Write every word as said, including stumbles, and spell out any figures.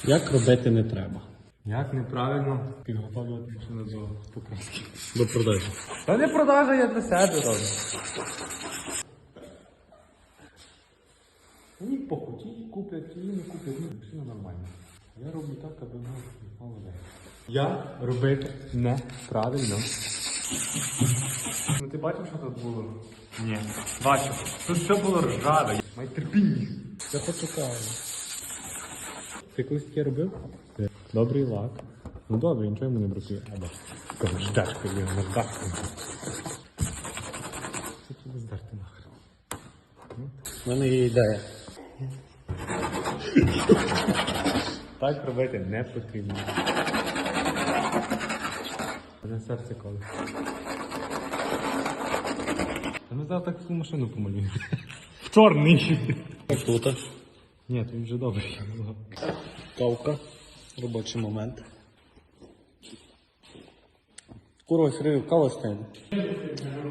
Як робити не треба? Як неправильно підготовлювати машину до покраски? До продажі. Та не продажа, я для себе роблю. Мені похуй, ті куплять, ті не куплять, ну, машина нормальна. Я роблю так, аби воно не впало вверх. Я робити неправильно. Ну ти бачив, що тут було? Ні. Бачив. Тут все було ржаве. Май терпіння. Це почекаю. Ти колись таке робив? Добрий лак. Ну добре, нічого йому не бракує. Або кажу, ждачку є, не здачку. Це тобі здати нахер. У мене є ідея. Так робити не потрібно. Мене серце коле. Та ми зараз так всю машину помалюємо. В чорний. Тут. Ні, тут вже добре. Кавка. Робочий момент. Курва, Сергій, кава стане.